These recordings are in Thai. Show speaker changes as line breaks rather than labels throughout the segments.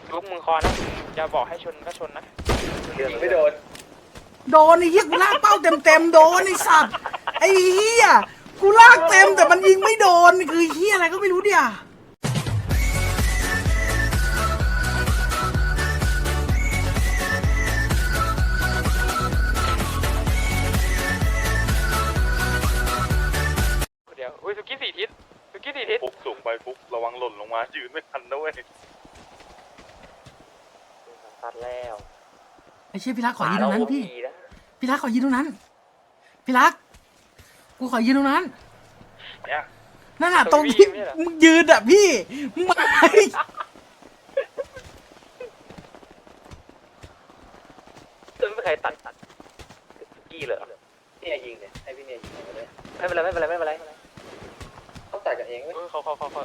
ลูกมึงคอนะจะบอกให้ชนก็ชนนะ
ยิงไม่โดน
โดนไอ้เหี้ยกูลากเป้าเต็มโดนไอ้สัตว์ไอ้เหี้ยกูลากเต็มแต่มันยิงไม่โดนคือเหี้ยอะไรก็ไม่รู้เดียว
เดี๋ยวอุ้ยสุกี้4 ทิศสุกี้4 ทิศ
ฟุกสูงไปฟุกระวังหล่นลงมายืนไม่ทันนะเว้ย
ตัดแล้ว
ไอ้เชี่ยพี่รักขอยืนตรงนั้นพี่รักขอยืนตรงนั้นพี่รักกูขอยืนตรงนั้น
เนี่ย
นั่นน่ะตรงที่มึงยืนอ่ะพี่มึงมา
จะไม่มีใครตัดกี้เลยเนี่ยยิงเนี่ยให้พี่เนี่ยยิงไปเลยไม่เป็นไรต้องตัดกันเองเว้ย
เขา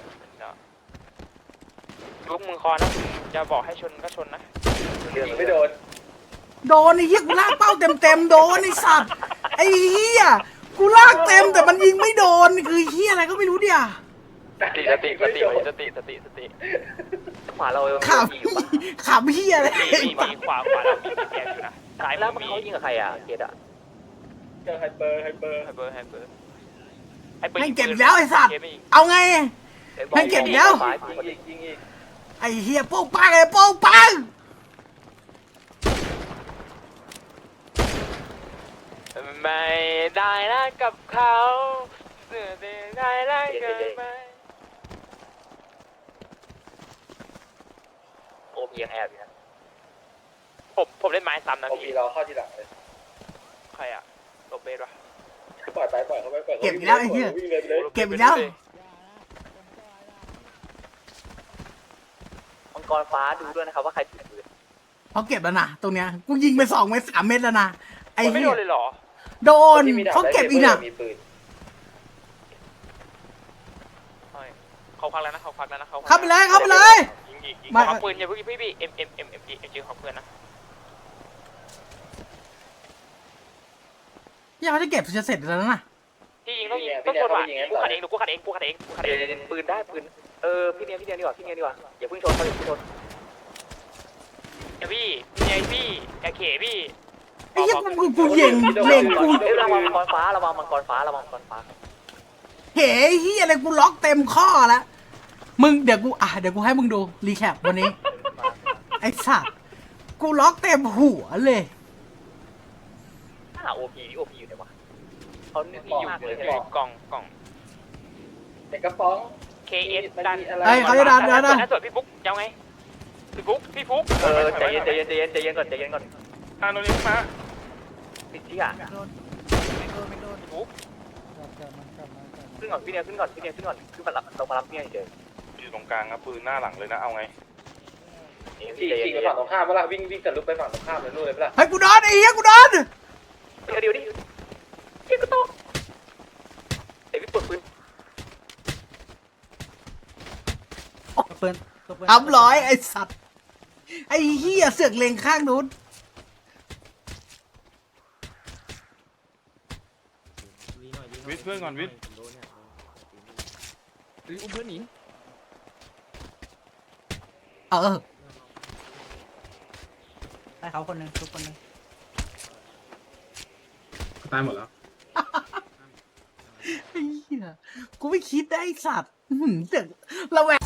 ลูกมึงคอนะจะบอกให้ชนก็ชนนะ
ยิงไม่โดน
โดนไอ้เหี้ยกูลากเป้าเต็มโดนไอ้สัตว์ไอ้เหี้ยกูลากเต็มแต่มันยิงไม่โดนคือเหี้ยอะไรก็ไม่รู้เดียว
สติ
ขวาเรา
ขับขับเหี้ยอะไร
มีขวาเรามีแกอยู่นะซ้าย
แล้ว
มือมี
เขายิงกับใครอ่ะเกดอ่ะเจอไฮเปอร์
ไฮเปอร์
ให้เก็บแล้วไอ้สัตว์เอาไงให้เก็บแล้ว
ยิงอีก
ไอ้เหี้ยโป้งปังไอ้โป้งปัง
ไม่ได้นะกับเขาเสือได้รักกันไหม
โอพียังแอบอยู่นะ
ผมเล่นไม้ซ้ำนะ
โอพี
พี่
เราเข้าทีหลังเลย
ใครอะโรเบสวะ
ปล่อยเขาไป
เก็บอีกแล้วไอ้เหี้ยเก็บอีกแล้ว
มังกรฟ้าดูด้วยนะครับว่าใครถือปืน
เขาเก็บแล้วนะตรงเนี้ยกูยิงไป2 เม็ด 3 เม็ดแล้วนะไอ้
ไม่
เหี้
โด
ย
นเลยเหรอ
โดนเขาเก็บอีกน่ะ
มีปืน
เขาพักแล้วนะ
เข้าไปเลย
ยิง
ไม่
ขอปืนอย่าพี่เอ็มจีของเพื่อนนะ
ยังไม่ได้เก็บจะเสร็จแล้วนะ
พี่ยิงต้องชนว่ะกูขัดเอง
ปืนได้ปืนพี่เนียดีกว่าอย่าเพิ่งชนเขาอย่าเพิ่งชน
อย่าพี่อย่าเขพี่
ไอ้เหี้ยกูเล็งกู
ระวังมังกรฟ้า
เฮ้ยเหี้ยอะไรกูล็อกเต็มข้อแล้วมึงเดี๋ยวกูให้มึงดูรีแคปวันนี้ไอ้สัตว์กูล็อกเต็มหัวเลย
โอพีอยู่ไหนวะเขาเนี่ย
ที่อยู่กล่อง
เด็กกระป๋อง
KS ดัน
เฮ้ยเขาจะดัน
ส่วนพี่ฟุ๊กยังไงพี่ฟุ๊ก
ใจเย็นก่อน
โดนยิงมา
ติดที่อ่ะ
พี่ฟุ๊ก
ขึ้นก่อนขึ้นมารับเนี่ยเฉย
อยู่ตรงกลางนะปืนหน้าหลังเลยนะเอาไง
จริงไปฝั่งตรงข้ามเวลาวิ่งทะลุไปฝั่งตรงข้ามเลยนู่นเลยเวลา
เฮ้ยกูโดนไอ้เหี้ยกูโดน
เดี๋ยวดิเฮ้ยก็ต้องเดี๋ยวพี่เปิดปืน
ทำร้อยไอ้สัตว์ไอ้เหี้ยเสือกเล็งข้างนู้น
วิทย์เพื่อนก่อนวิทย์
อุ้มเพื่อนหนี
ให้เขาคนนึงทุกคนนึง
ตายหมดแล้ว
ไอ้เหี้ยกูไม่คิดได้ไอ้สัตว์เสือกระแว